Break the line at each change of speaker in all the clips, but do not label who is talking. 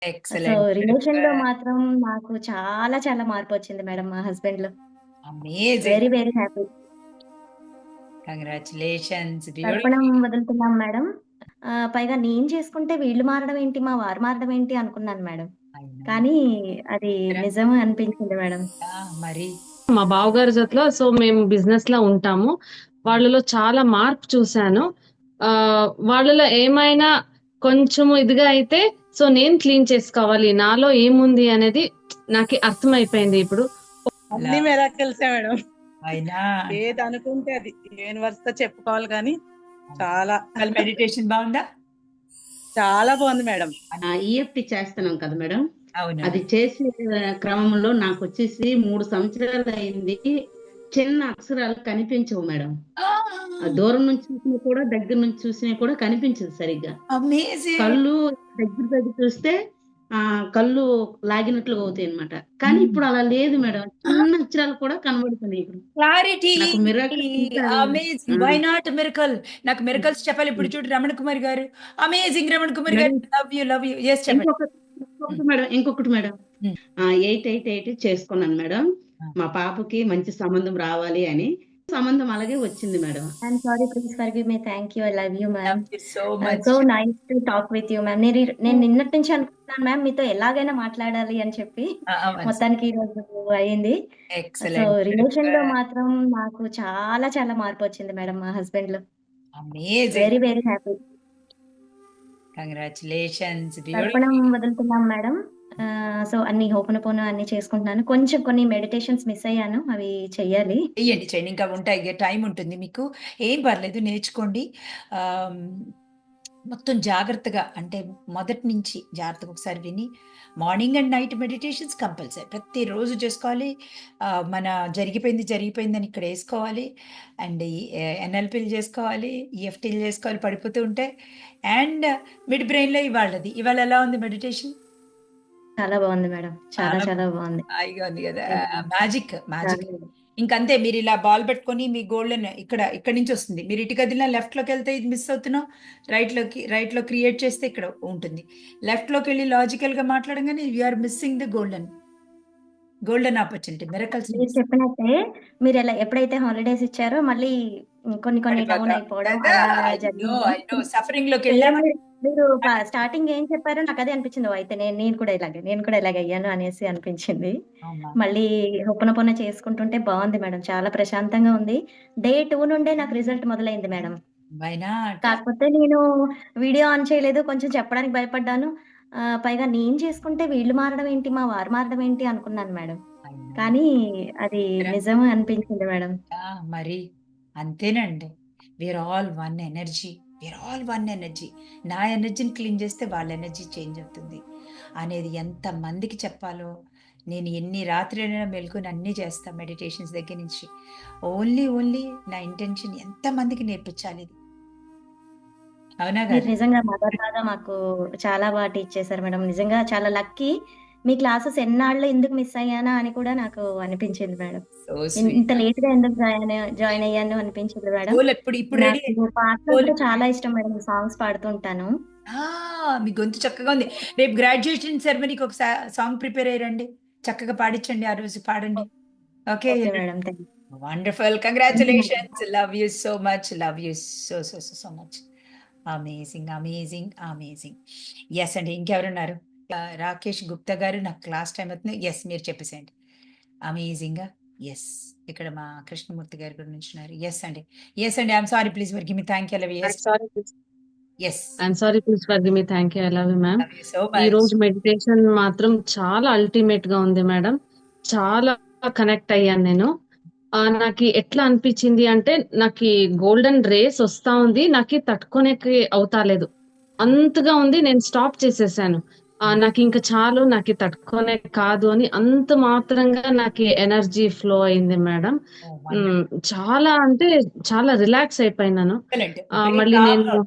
So,
excellent.
రిలేషన్‌లో మాత్రం నాకు చాలా చాలా మార్పొచ్చింది మేడం మా హస్బెండ్‌లో.
Amazing.
Very very happy.
Congratulations.
దర్పణం
బ్యూటిఫుల్.
వదులుతున్నాం మేడం. పైగా నేను చేసుకుంటే వీళ్ళు మారడం ఏంటి, మా వారు మారడం ఏంటి అనుకున్నాను మేడం.
అయినా
కానీ అది నిజం అనిపించింది మేడం.
మరి
మా బావగారి జతలో మేము బిజినెస్‌లో ఉంటాము. వాళ్ళలో చాలా మార్పు చూసాను. వాళ్ళలో ఏమైనా కొంచెము ఇదిగా అయితే నేను క్లీన్ చేసుకోవాలి. నాలో ఏముంది అనేది నాకి అర్థమైపోయింది ఇప్పుడు.
అన్ని మిరాకిల్సే మేడం.
అయినా
ఏది అనుకుంటే అది యూనివర్స్‌తో చెప్పుకోవాలి గానీ చాలా
మెడిటేషన్ బాగుందా?
చాలా బాగుంది మేడం.
ఈఎఫ్టీ చేస్తున్నాం కదా మేడం.
అవును.
అది చేసే క్రమంలో నాకొచ్చేసి 3 సంవత్సరాలు అయింది. చిన్న అక్షరాలు కనిపించవు మేడం. దూరం నుంచి చూసినా కూడా, దగ్గర నుంచి చూసినా కూడా కనిపించదు సరిగ్గా.
అమేజింగ్.
కళ్ళు దగ్గర చూస్తే కళ్ళు లాగినట్లుగా అవుతాయన్నమాట. కానీ ఇప్పుడు అలా లేదు మేడం. చిన్న అక్షరాలు కూడా కనబడుతున్నాయి ఇప్పుడు.
క్లారిటీ.
నాకు మిరాకిల్ ఇంకా
అమేజింగ్. Why not miracle? నాకు మిరకల్స్ చెప్పాలి. ఇప్పుడు చూడు రమణ కుమార్ గారు. అమేజింగ్ రమణ కుమార్ గారు. Love you. యెస్ చెప్పండి.
ఇంకొకటి మేడం. 888 చేసుకున్నాను మేడం. మా పాపకి మంచి సంబంధం రావాలి అని. సంబంధం అలాగే వచ్చింది madam.
I'm sorry, please forgive me. Thank you. I love you ma'am.
Thank you so much.
So nice to talk with you ma'am. నేను నిన్నటి నుంచి అనుకుంటున్నాను మ్యామ్ మీతో ఎలాగైనా మాట్లాడాలి అని చెప్పి. మొత్తానికి ఈ రోజు అయింది. So,
excellent.
రిలేషన్‌లో మాత్రం నాకు చాలా చాలా మార్పొచ్చింది మేడం మా హస్బెండ్‌లో.
Amazing.
Very very happy.
Congratulations.
దర్పణం
బ్యూటిఫుల్.
వదులుతున్నాం మేడం. సో, అన్ని హోపోనోపోనో అన్ని చేసుకుంటున్నాను. కొన్ని మెడిటేషన్స్ మిస్ అయ్యాను. అవి చెయ్యాలి.
చేయండి. ఇంకా ఉంటాయి. టైం ఉంటుంది మీకు. ఏం పర్లేదు నేర్చుకోండి. ఆహ్, మొత్తం జాగ్రత్తగా అంటే మొదటి నుంచి జాగ్రత్తగా ఒకసారి విని morning and night meditations compulsory ప్రతిరోజు చేసుకోవాలి. మన జరిగిపోయిందని ఇక్కడ వేసుకోవాలి. అండ్ ఎన్ఎల్పీలు చేసుకోవాలి, ఈఎఫ్టీలు చేసుకోవాలి పడిపోతూ ఉంటే. అండ్ మిడ్ బ్రెయిన్లో ఇవాళ ఎలా ఉంది మెడిటేషన్?
చాలా బాగుంది మేడం. చాలా
చాలా
చాలా బాగుంది.
హాయిగా ఉంది కదా. మ్యాజిక్.
చాలా.
ఇంకంతే. మీరు ఇలా బాల్ పెట్టుకొని మీ గోల్డెన్ ఇక్కడ నుంచి వస్తుంది. మీరు ఇటు కదిలినా లెఫ్ట్ లోకి వెళ్తే ఇది మిస్ అవుతున్నాం. రైట్ లో క్రియేట్ చేస్తే ఇక్కడ ఉంటుంది. లెఫ్ట్ లోకి వెళ్ళి లాజికల్ గా మాట్లాడగానే are missing the golden opportunity. Miracles
మీరు చెప్పినట్టే ఎప్పుడైతే హాలిడేస్ ఇచ్చారో మళ్ళీ కొన్ని డౌన్ అయిపోవడం అలా జరిగింది.
సఫరింగ్ లోకి వెళ్ళా.
మీరు స్టార్టింగ్ ఏం చెప్పారో నాకు అదే అనిపించింది. అయితే నేను కూడా ఇలాగే అయ్యాను అనేసి అనిపించింది. మళ్ళీ హొప్పనొప్పన చేసుకుంటుంటే బాగుంది మేడం. చాలా ప్రశాంతంగా ఉంది. డే 2 నుండే నాకు రిజల్ట్ మొదలైంది మేడం. కాకపోతే నేను వీడియో ఆన్ చేయలేదు. కొంచెం చెప్పడానికి భయపడ్డాను. పైగా నేను చేసుకుంటే వీళ్ళు మారడం ఏంటి, మా వారు మారడం ఏంటి అనుకున్నాను మేడం. కానీ అది నిజం అనిపించింది మేడం.
మరి అంతేనండి. We're all one energy. నా ఎనర్జీని క్లీన్ చేస్తే వాళ్ళ ఎనర్జీ చేంజ్ అవుతుంది అనేది ఎంత మందికి చెప్పాలో. నేను ఎన్ని రాత్రులైనా మెలుకుని అన్నీ చేస్తా మెడిటేషన్స్ దగ్గర నుంచి. ఓన్లీ నా ఇంటెన్షన్ ఎంత మందికి నేర్పించాలి ఇది. అవునా
మీరు
కదా?
నిజంగా మదర్ లాగా మాకు చాలా బాగా టీచ్ చేశారు మేడం. నిజంగా చాలా లక్కీ. మీ క్లాసెస్ ఎన్నాళ్ళు ఎందుకు మిస్ అయ్యానా అని కూడా నాకు అనిపించింది మేడం.
So sweet.
ఇంత లేట్‌గా ఎందుకు జాయిన్ అయ్యాను అనిపించింది మేడం.
గోల్ ఇప్పుడు రెడీ.
నాకు పాటలు కూడా చాలా ఇష్టం మేడం. సాంగ్స్ పాడుతూ ఉంటాను.
మీ గొంతు చక్కగా ఉంది. రేపు గ్రాడ్యుయేషన్ సెరమనీకి ఒక సాంగ్ ప్రిపేర్ అయ్యారండి. చక్కగా పాడించండి. ఆ రోజు పాడండి. Okay
okay madam. Thank you.
Wonderful. Congratulations. Love you so much. So much. Amazing. Yes అండి. ఇంకెవరున్నారు? రాకేష్ గుప్తా గారు నాకు క్లాస్ టైం అవుతుంది. ఎస్ మీరు చెప్పేసేయండి. అమేజింగ్. ఎస్ ఇక్కడ మా కృష్ణమూర్తి గారి గురించి ఉన్నారు. ఎస్ అండి. I'm sorry, please forgive me. Thank you. Love you. Yes.
I'm sorry, please forgive me. Thank you. I love you ma'am.
Love you so
ఈ
మచ్.
రోజు మెడిటేషన్ మాత్రం చాలా అల్టిమేట్ గా ఉంది మేడం. చాలా కనెక్ట్ అయ్యాను నేను. నాకు ఎట్లా అనిపించింది అంటే నాకు గోల్డెన్ రేస్ వస్తా ఉంది. నాకు తట్టుకోనేకి అవుతాలేదు. అంతగా ఉంది. నేను స్టాప్ చేసేసాను. నాకు ఇంకా చాలు, నాకు తట్టుకోనే కాదు అని అంత మాత్రంగా నాకు ఎనర్జీ ఫ్లో అయింది మేడం. చాలా అంటే చాలా రిలాక్స్ అయిపోయినాను. మళ్ళీ నేను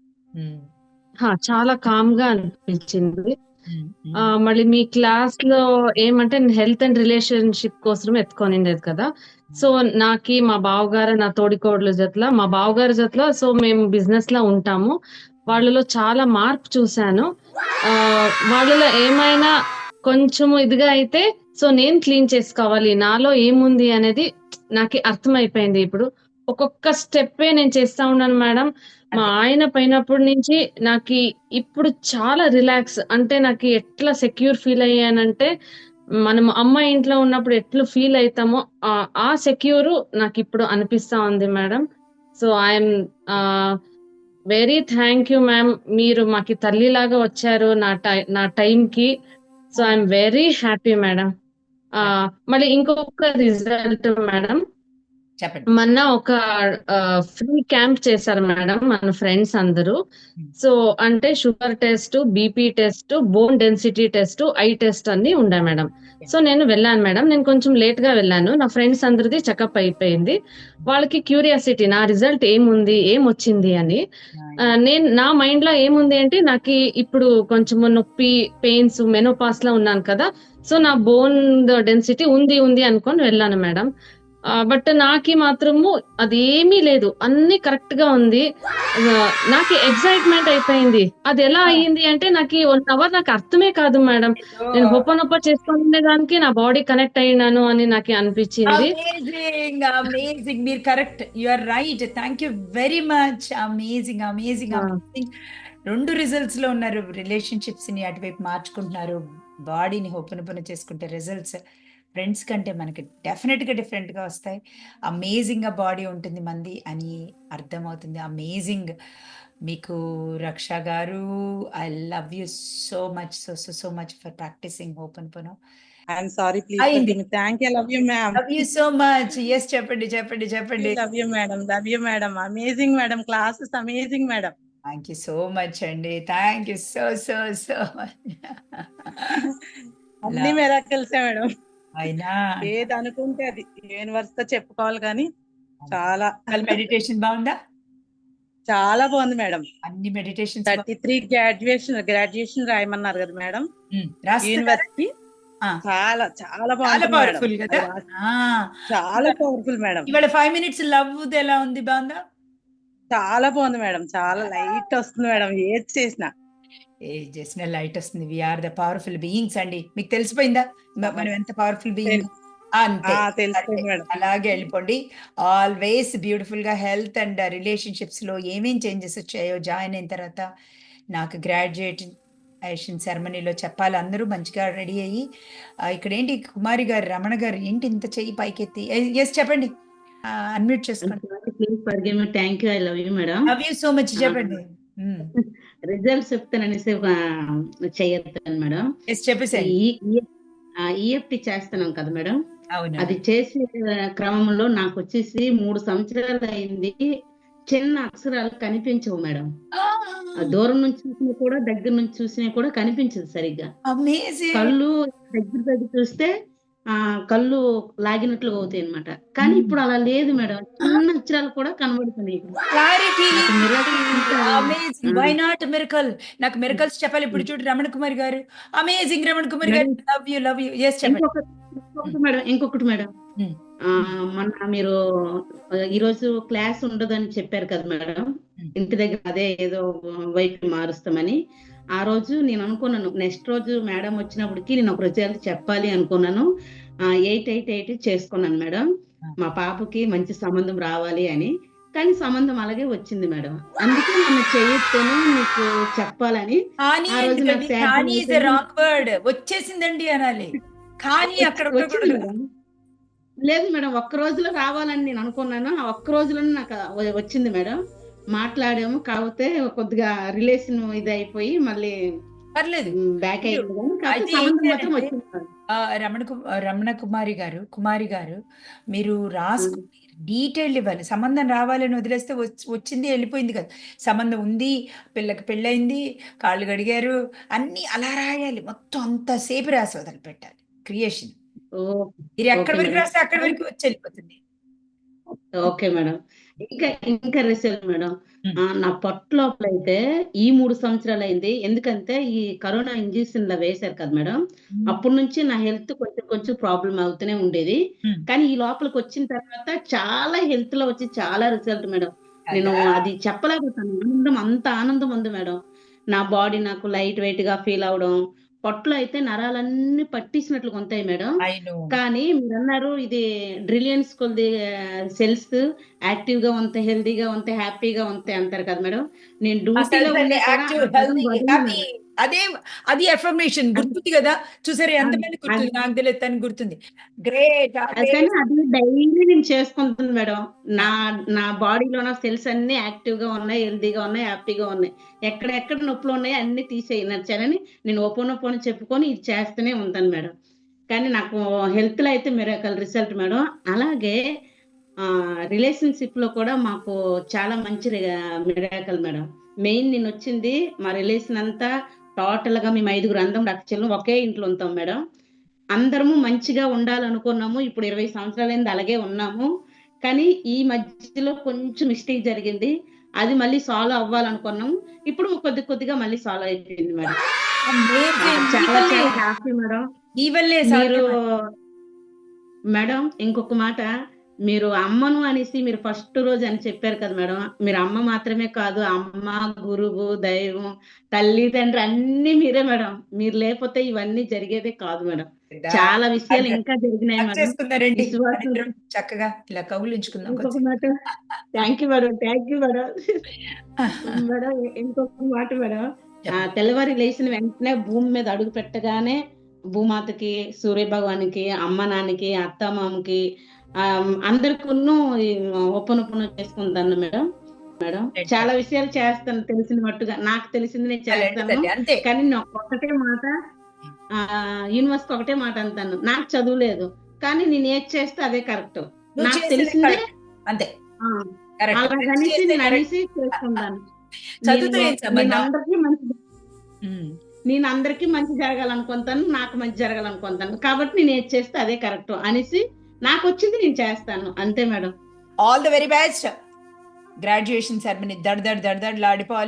చాలా కామ్ గా అనిపించింది. మళ్ళీ మీ క్లాస్ లో ఏమంటే హెల్త్ అండ్ రిలేషన్షిప్ కోసం ఎత్తుకొనిండేది కదా. సో మా బావగారు నా తోడికోడల జతలో మేము బిజినెస్ లో ఉంటాము. వాళ్ళలో చాలా మార్పు చూశాను. వాళ్ళలో ఏమైనా కొంచెము ఇదిగా అయితే సో నేను క్లీన్ చేసుకోవాలి. నాలో ఏముంది అనేది నాకి అర్థమైపోయింది ఇప్పుడు. ఒక్కొక్క స్టెప్పే నేను చేస్తా ఉన్నాను మేడం. మా
అదే.
ఆయన పోయినప్పటి నుంచి నాకి ఇప్పుడు చాలా రిలాక్స్. అంటే నాకి ఎట్లా సెక్యూర్ ఫీల్ అయ్యానంటే, మనం అమ్మ ఇంట్లో ఉన్నప్పుడు ఎట్లా ఫీల్ అయితామో ఆ సెక్యూరు నాకిప్పుడు అనిపిస్తా ఉంది madam. So I'm very thank you ma'am. మీరు మాకి తల్లిలాగా వచ్చారు నా టైంకి. So I'm very happy madam. మళ్ళీ ఇంకొక రిజల్ట్ మేడం,
చెప్పండి.
మొన్న ఒక ఫ్రీ క్యాంప్ చేశారు మేడం మన ఫ్రెండ్స్ అందరూ. సో అంటే sugar test, BP test, bone density test, eye test అన్ని ఉన్నాయి మేడం. సో నేను వెళ్ళాను మేడం. నేను కొంచెం లేట్ గా వెళ్ళాను. నా ఫ్రెండ్స్ అందరిది చెకప్ అయిపోయింది. వాళ్ళకి క్యూరియాసిటీ నా రిజల్ట్ ఏముంది, ఏమొచ్చింది అని. నా మైండ్ లో ఏముంది అంటే నాకు ఇప్పుడు కొంచెం నొప్పి, పెయిన్స్, మెనోపాస్ లో ఉన్నాను కదా. సో నా బోన్ డెన్సిటీ ఉంది అనుకొని వెళ్ళాను మేడం. బట్ నాకి మాత్రము అదేమీ లేదు. అన్ని కరెక్ట్ గా ఉంది. నాకు ఎక్సైట్మెంట్ అయిపోయింది. అది ఎలా అయ్యింది అంటే నాకు 1 అవర్ నాకు అర్థమే కాదు మేడం. నేను హొప్పనొప్ప చేసుకునే దానికి నా బాడీ కనెక్ట్ అయినాను అని నాకు అనిపించింది.
Amazing, amazing. మీరు correct, you are right. Thank you very much. Amazing, amazing, amazing. 2 results లో ఉన్నారు. రిలేషన్షిప్స్ ని అటువైపు మార్చుకుంటున్నారు, బాడీని హోపనొప్పన చేసుకుంటే రిజల్ట్స్ ఫ్రెండ్స్ కంటే మనకి డెఫినెట్ గా డిఫరెంట్ గా వస్తాయి. అమేజింగ్ గా బాడీ ఉంటుంది మంది అని అర్థమవుతుంది. అమేజింగ్. మీకు Raksha garu, I love you so much, so much for practicing ho'oponopono.
I'm sorry, please
అయింది.
Thank you, love you ma'am.
Love you so much. Yes, చెప్పండి.
Love you madam, amazing madam, classes amazing madam.
Thank you so much అండి. Thank you so much.
అన్ని మిరాకిల్సే madam.
అయినా
ఏది అనుకుంటే అది universe తో చెప్పుకోవాలి కానీ చాలా
మెడిటేషన్ బాగుందా?
చాలా బాగుంది మేడం.
అన్ని మెడిటేషన్
33 గ్రాడ్యుయేషన్ రాయమన్నారు కదా మేడం యూనివర్సిటీ. చాలా చాలా బాగుంది
పవర్ఫుల్ కదా.
చాలా పవర్ఫుల్ మేడం.
ఇవాళ 5 minutes లవ్ ఎలా ఉంది? బాగుందా?
చాలా బాగుంది మేడం. చాలా లైట్ వస్తుంది మేడం. ఏది చేసిన
లైట్ వస్తుంది. వీఆర్ ద పవర్ఫుల్ బీయింగ్స్ అండి. మీకు తెలిసిపోయిందా మనం ఎంత పవర్ఫుల్ బీయింగ్? అంతే,
తెలిసిపోయింది మేడం.
అలాగే వెళ్ళిపోండి. ఆల్వేస్ బ్యూటిఫుల్ గా హెల్త్ అండ్ రిలేషన్షిప్స్ లో ఏమేం చేంజెస్ వచ్చాయో జాయిన్ అయిన తర్వాత నాకు గ్రాడ్యుయేషన్ సెరమనీలో చెప్పాలి. అందరూ మంచిగా రెడీ అయ్యి ఇక్కడ ఏంటి కుమారి గారు, రమణ గారు ఏంటి ఇంత చెయ్యి పైకెత్తి? ఎస్ చెప్పండి, అన్మ్యూట్ చేసుకోండి.
Thank you, I love you madam.
Love you so much. చెప్పండి.
రిజల్ట్స్ చెప్తాననేసి చేయొద్దాను మేడం.
చెప్పేసాయి.
ఈఎఫ్టి చేస్తున్నాం కదా మేడం.
అవును.
అది చేసే క్రమంలో నాకు వచ్చేసి 3 సంవత్సరాలు అయింది. చిన్న అక్షరాలు కనిపించవు మేడం. దూరం నుంచి చూసినా కూడా, దగ్గర నుంచి చూసినా కూడా కనిపించదు సరిగ్గా. కళ్ళు దగ్గర చూస్తే కళ్ళు లాగినట్లుగా అవుతాయి అనమాట. కానీ ఇప్పుడు అలా లేదు మేడం. చిన్న అక్షరాలు కూడా కనబడుతున్నాయి.
Why not miracle? నాకు మిరకల్స్ చెప్పాలి ఇప్పుడు. చూడు రమణ కుమార్ గారు, అమేజింగ్. రమణ కుమార్ గారు, లవ్ యూ. ఎస్ చెప్పండి.
ఇంకొకటి మేడం, మొన్న మీరు ఈరోజు క్లాస్ ఉండదని చెప్పారు కదా మేడం. ఇంటి దగ్గర అదే ఏదో వైపు మారుస్తామని. ఆ రోజు నేను అనుకున్నాను, నెక్స్ట్ రోజు మేడం వచ్చినప్పటికి నేను ఒక రిజల్ట్ చెప్పాలి అనుకున్నాను. 8 చేసుకున్నాను మేడం. మా పాపకి మంచి సంబంధం రావాలి అని. కానీ సంబంధం అలాగే వచ్చింది మేడం. అందుకే నన్ను చేయొచ్చాను మీకు చెప్పాలని.
వచ్చేసిందండి అనాలి. కానీ అక్కడ
లేదు మేడం, ఒక్క రోజులో రావాలని నేను అనుకున్నాను. ఆ ఒక్క రోజులోనే నాకు వచ్చింది మేడం. మాట్లాడాము, కాకపోతే కొద్దిగా రిలేషన్ ఇది అయిపోయి మళ్ళీ
పర్లేదు
బ్యాక్ అయ్యింది.
రమణ కుమారి గారు మీరు రాసుకుని డీటెయిల్ ఇవ్వాలి. సంబంధం రావాలని వదిలేస్తే వచ్చింది వెళ్ళిపోయింది కదా. సంబంధం ఉంది, పిల్లకి పెళ్ళయింది, కాళ్ళు గడిగారు, అన్ని అలా రాయాలి. మొత్తం అంతసేపు రాసి వదిలి పెట్టాలి. క్రియేషన్ మీరు ఎక్కడి వరకు రాస్తే అక్కడి వరకు వచ్చి వెళ్ళిపోతుంది.
Okay madam. ఇంకా రిజల్ట్ మేడం, నా పొట్ట లోపల అయితే ఈ 3 సంవత్సరాలు అయింది. ఎందుకంటే ఈ కరోనా ఇంజెక్షన్ లా వేశారు కదా మేడం. అప్పటి నుంచి నా హెల్త్ కొంచెం ప్రాబ్లం అవుతూనే ఉండేది. కానీ ఈ లోపలికి వచ్చిన తర్వాత చాలా హెల్త్ లో వచ్చి చాలా రిజల్ట్ మేడం. నేను
కదా!
అది చెప్పలేకపోతాను. అంత ఆనందం ఉంది మేడం. నా బాడీ నాకు లైట్ వెయిట్‌గా ఫీల్ అవ్వడం. పొట్టలో అయితే నరాలన్నీ పట్టేసినట్లుగా ఉంటాయి మేడం.
I know.
కానీ మీరన్నారు ఇది బ్రిలియన్స్ కొలది సెల్స్ యాక్టివ్‌గా ఉంటాయి, హెల్తీగా ఉంటాయి, హ్యాపీగా ఉంటాయి అంటారు కదా మేడం. నేను
ఆ
డ్యూటీలో
సెల్స్ అన్ని
ఉన్నా కూడా
యాక్టివ్,
ఆ పదం
హెల్తీ,
వదలను
హ్యాపీ.
మేడం.
అదే అది అఫర్మేషన్ గుర్తుంది కదా! చూసారా
అది
ఎంతమంది గుర్తుంది?
అది
నాకు తెలియదు తనకి గుర్తుంది. గ్రేట్.
అది కానీ అది డైలీ నేను చేసుకుంటున్నాను మేడం. నా నా బాడీలో ఉన్న సెల్స్ అన్నీ యాక్టివ్‌గా ఉన్నాయి, హెల్తీగా ఉన్నాయి, హ్యాపీగా ఉన్నాయి. ఎక్కడెక్కడ నొప్పులు ఉన్నాయో అన్నీ తీసేయి నచ్చాలని నేను ఓపోనోపోనో చెప్పుకొని ఇది చేస్తూనే ఉంటాను మేడం. కానీ నాకు హెల్త్‌లో అయితే మిరాకల్ రిజల్ట్ మేడం. అలాగే రిలేషన్‌షిప్‌లో కూడా మాకు చాలా మంచి మిరాకల్ మేడం. మెయిన్ నేనొచ్చింది మా రిలేషన్ అంతా టోటల్‌గా మేము 5గురు అందరం అక్కచెల్లెం ఒకే ఇంట్లో ఉంటాం మేడం. అందరము మంచిగా ఉండాలనుకున్నాము. ఇప్పుడు 20 సంవత్సరాలైంది అలాగే ఉన్నాము. కానీ ఈ మధ్యలో కొంచెం మిస్టేక్ జరిగింది. అది మళ్ళీ సాల్వ్ అవ్వాలనుకున్నాము. ఇప్పుడు కొద్దిగా మళ్ళీ సాల్వ్ అయిపోయింది మేడం.
అమేజింగ్.
చాలా చాలా హ్యాపీ మేడం.
ఈ వల్లే
మీరు
సాధ్యం.
మేడం ఇంకొక మాట, మీరు అమ్మను అనేసి మీరు ఫస్ట్ రోజు అని చెప్పారు కదా మేడం. మీరు అమ్మ మాత్రమే కాదు, అమ్మ, గురువు, దైవం, తల్లిదండ్రి అన్నీ మీరే మేడం. మీరు లేకపోతే ఇవన్నీ జరిగేదే కాదు మేడం. చాలా విషయాలు ఇంకా జరిగినాయి
హగ్
మేడం.
చేసుకుందారండి
విశ్వాసం
మనిద్దరం చక్కగా ఇలా కౌగిలించుకుందాం
ఇంకొక
కొంచెం.
మాట థ్యాంక్ యూ మేడం. మేడం ఇంకొక మాట మేడం. తెల్లవారి లేచిన వెంటనే భూమి మీద అడుగు పెట్టగానే భూమాతకి, సూర్య భగవానుకి, అమ్మ నాన్నకి, అత్తమామకి అందరికును ఒప్పనొప్పను చేసుకుంటాను మేడం. చాలా విషయాలు చేస్తాను తెలిసిన మట్టుగా. నాకు తెలిసింది నేను చేస్తాను.
అంతే.
కానీ నాకు ఒకటే మాట యూనివర్స్‌కి ఒకటే మాట అంటాను. నాకు చదువు లేదు. కానీ నేను ఏది చేస్తే అదే కరెక్ట్.
నువ్వు
నాకు
చేసేదే
తెలిసిందే
కరెక్ట్. అంతే. కరెక్ట్.
అలాగనేసి
చేసేదే
నేను
కరెక్ట్.
అనేసి చేసుకుంటాను.
చదువుతో ఏం సంబంధం?
నేను అందరికీ మంచి జరగాలనుకుంటాను. నాకు మంచి జరగాలనుకుంటాను. కాబట్టి నేను ఏది చేస్తే అదే కరెక్ట్ అనేసి నాకొచ్చింది నేను చేస్తాను. అంతే madam.
All the very best. Graduation ceremony దడ్ దడ్ దడ్ దడ్ లాడిపోవాలి.